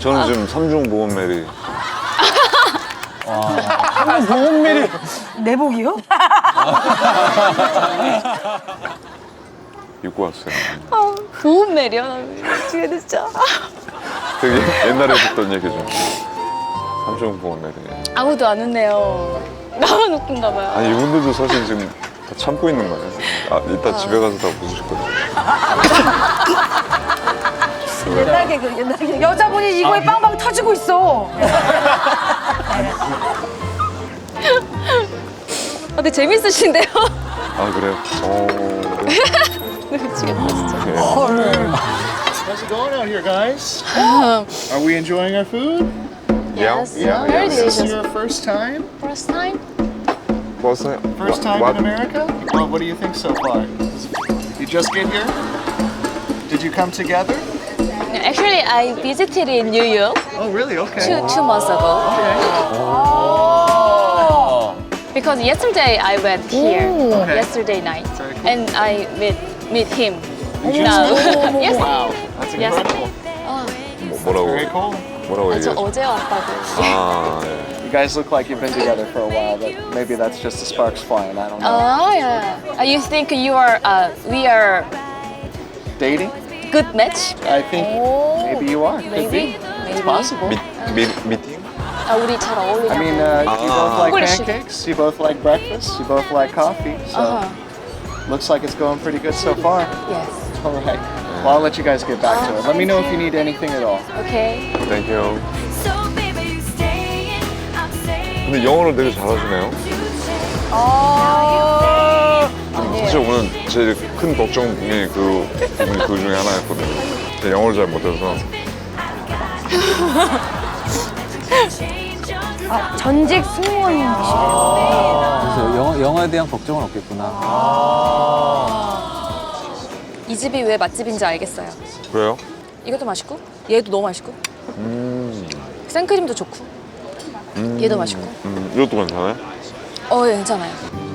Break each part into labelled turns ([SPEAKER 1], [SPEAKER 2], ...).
[SPEAKER 1] 저는 지금 삼중 보험 메리.
[SPEAKER 2] 보험밀이.
[SPEAKER 3] 내복이요?
[SPEAKER 1] 입고 왔어요.
[SPEAKER 4] 보험 매려. 나 미치겠네 진짜.
[SPEAKER 1] 되게 옛날에 듣던 얘기죠. 삼중 보험 메리.
[SPEAKER 4] 아무도 안 웃네요. 나만 웃긴가 봐요.
[SPEAKER 1] 아니 이분들도 사실 지금 다 참고 있는 거예요. 아 이따 집에 가서 다 웃으실 거예요.
[SPEAKER 3] 옛날 개그, 옛날 개그. 여자분이 이거에 빵빵 터지고 있어.
[SPEAKER 4] 되게 재밌으신데요?
[SPEAKER 1] 아 그래요?
[SPEAKER 4] 미치겠다 진짜.
[SPEAKER 1] 네.
[SPEAKER 5] How's it going out here, guys? Are we enjoying our food?
[SPEAKER 4] Yes.
[SPEAKER 5] Yeah.
[SPEAKER 4] Very
[SPEAKER 5] Is this
[SPEAKER 4] delicious.
[SPEAKER 5] your first time?
[SPEAKER 4] First time?
[SPEAKER 1] 버스?
[SPEAKER 5] First time in America? Well, what do you think so far? You just get here? Did you come together?
[SPEAKER 4] Actually, I visited in New York
[SPEAKER 5] Oh, really? Okay.
[SPEAKER 4] two months ago. Because yesterday I went here,
[SPEAKER 5] Okay.
[SPEAKER 4] yesterday night,
[SPEAKER 5] Very cool.
[SPEAKER 4] and I meet him
[SPEAKER 5] You
[SPEAKER 4] now.
[SPEAKER 5] just-
[SPEAKER 4] yes.
[SPEAKER 5] Wow, that's
[SPEAKER 4] Yes.
[SPEAKER 5] incredible.
[SPEAKER 1] 뭐라고?
[SPEAKER 5] Very cool.
[SPEAKER 1] 뭐라고
[SPEAKER 4] 저
[SPEAKER 1] 얘기해?
[SPEAKER 4] 어제 왔다고.
[SPEAKER 1] 아 예.
[SPEAKER 5] You guys look like you've been together for a while, but maybe that's just the sparks flying. I don't know.
[SPEAKER 4] Oh yeah. You think you are? We are
[SPEAKER 5] Dating?
[SPEAKER 4] good match?
[SPEAKER 5] I think maybe you are. Could
[SPEAKER 4] Maybe.
[SPEAKER 5] be.
[SPEAKER 4] Maybe.
[SPEAKER 5] It's possible.
[SPEAKER 1] 미팅?
[SPEAKER 4] 아 우리 잘 어울리나?
[SPEAKER 5] I mean, you both like
[SPEAKER 4] Polish.
[SPEAKER 5] pancakes, you both like breakfast, you both like coffee, so looks like it's going pretty good so far.
[SPEAKER 4] Yes.
[SPEAKER 5] All right. Well, I'll let you guys get back to it. Let me know if you need anything at all.
[SPEAKER 4] Okay.
[SPEAKER 1] 땡큐.
[SPEAKER 6] So baby, you staying, I'm staying.
[SPEAKER 1] 근데 영어를 되게 잘하시네요. 사실 오늘 제일 큰 걱정이 그 부분이 그 중에 하나였거든요. 제가 영어를 잘 못해서.
[SPEAKER 3] 전직 승무원이시래요.
[SPEAKER 2] 그래서 영어에 대한 걱정은 없겠구나.
[SPEAKER 4] 이 집이 왜 맛집인지 알겠어요.
[SPEAKER 1] 그래요?
[SPEAKER 4] 이것도 맛있고, 얘도 너무 맛있고, 생크림도 좋고, 얘도 맛있고.
[SPEAKER 1] 이것도 괜찮아요?
[SPEAKER 4] 예, 괜찮아요.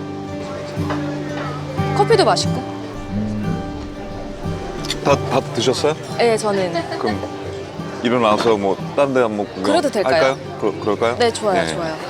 [SPEAKER 4] 커피도 맛있고.
[SPEAKER 1] 다 드셨어요?
[SPEAKER 4] 네, 저는.
[SPEAKER 1] 그럼 일어나서 뭐 딴 데 한번 구경
[SPEAKER 4] 그래도 될까요?
[SPEAKER 1] 할까요? 그럴까요?
[SPEAKER 4] 네, 좋아요,
[SPEAKER 1] 네.
[SPEAKER 4] 좋아요.